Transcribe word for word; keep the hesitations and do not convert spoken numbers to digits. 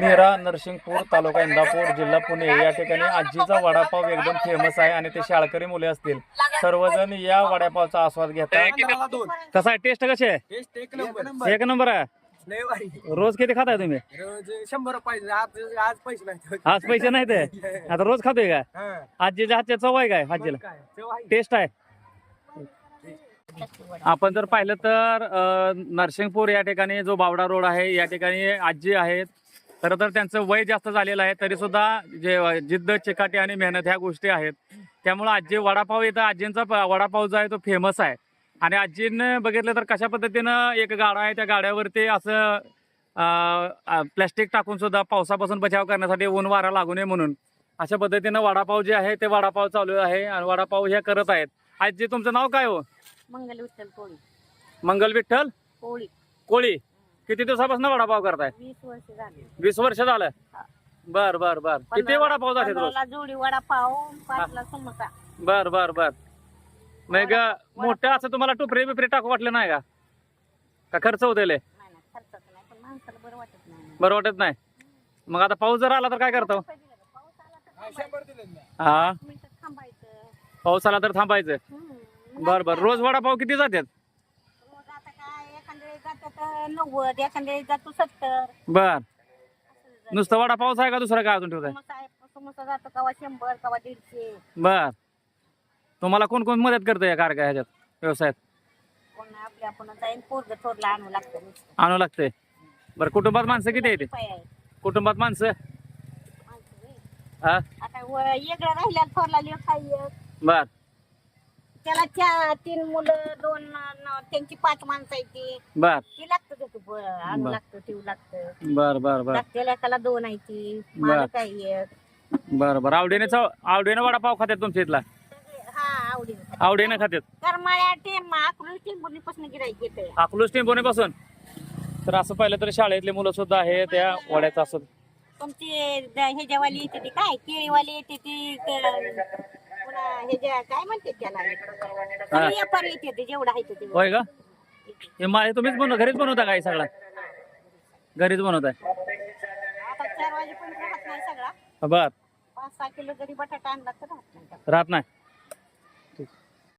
नेरा नरसिंगपूर तालुका इंदापूर जिल्हा पुणे या ठिकाणी आजीचा वडापाव एकदम फेमस आहे आणि ते शाळकरी मुले असतील सर्वजण या वडापावचा आस्वाद घेतात. कसा आहे टेस्ट कशी आहे? एक नंबर आहे. रोज किती खाताय तुम्ही? शंभर पाहिजे आज आज पैसे नाही. आज पैसे नाही ते आता रोज खातोय का? आजीच्या हातच्या चव आहे काय? आजीला टेस्ट आहे. आपण जर पाहिलं तर नरसिंगपूर या ठिकाणी जो बावडा रोड आहे या ठिकाणी आजी आहेत. खरं तर त्यांचं वय जास्त झालेलं आहे तरी सुद्धा जे जिद्द चिकाटी आणि मेहनत ह्या गोष्टी आहेत त्यामुळे आजी वडापाव येतं. आजींचा वडापाव जो आहे तो फेमस आहे आणि आजीनं बघितलं तर कशा पद्धतीनं एक गाडा आहे त्या गाड्यावरती असं प्लॅस्टिक टाकून सुद्धा पावसापासून बचाव करण्यासाठी ऊन वारा लागू नये म्हणून अशा पद्धतीनं वडापाव जे आहे ते वडापाव चालू आहे आणि वडापाव हे करत आहेत. आजी तुमचं नाव काय हो? मंगल विठ्ठल कोळी. मंगल विठ्ठल कोळी. कोळी. किती दिवसापासून वडापाव करताय? वीस वर्ष झाली. वीस वर्ष झालं. बर बर बर. किती वडापाव झाले रोज? पंधराला जोडी वडापाव, पाचला समोसा. बर बर बर. मग मोठं असं तुम्हाला टुपरे बिपरे टाकू वाटलं नाही का? का खर्च होते? नाही ना, खर्चाचं नाही पण माणसाला बरं वाटत नाही. बरं वाटत नाही. मग आता पाऊस जर आला तर काय करतो? पाऊस आला तर हा मिनिटं थांबायचं. पाऊस आला तर थांबायचं. हम्म. बर बर. रोज वडापाव किती जातात? रोज आता काय एखाद्या वेळी जातात नव्वद, एखाद्या वेळी जातो सत्तर. बर. नुसतं वडापावच आहे का दुसरं काय अजून ठेवताय? समोसा आहे, समोसा जातो कवा शंभर कवा दीडशे. बर. तुम्हाला कोण कोण मदत करतं या कारखान्यात ह्याच्यात व्यवसायात? कोण आपल्या आपण जाईन पोरग थोरला आणू लागतं नुसतं. आणू लागते. बरं कुटुंबात माणसं किती येते? उपाय आहे. कुटुंबात माणसं माणसं होय. हा आता व- वेगळं राहिल्या थोरला लेख आहे. बर त्याला चार तीन मुलं दोन न- त्यांची पाच माणसं आहे ती बर ती लागतं त्याचं ब- आणू बर. लागतं ठेवू लागतं. बर बर बर त्याला एकाला दोन आहे ती बर. मालक आहे एक. बर बर. आवडीने चव आवडीने वडापाव खात्यात तुमच्या इथला? हा आवडीने आवडीने खात्यात. करमाळ्या टेम अकलूज टेंबुर्णीपासून गिराईक येते. अकलूज टेम्पोने पासून. तर असं पाहिलं तर शाळेतले मुलं सुद्धा आहे त्या वड्यात असत. तुमची द- ह्याच्यावाली येते ती काय केळीवाली येते ती क- पुन्हा ह्याच्या काय म्हणते त्याला सगळे व्यापार येते ते जेवढं आहे ते होय का? हे मा तुम्हीच बनव घरीच बनवता काय सगळा? घरीच बनवताय? आता चार वाजेपर्यंत राहत नाही सगळा. बर. पाच सहा किलो जरी बटाटा आणला तर राहत नाही. राहत नाही.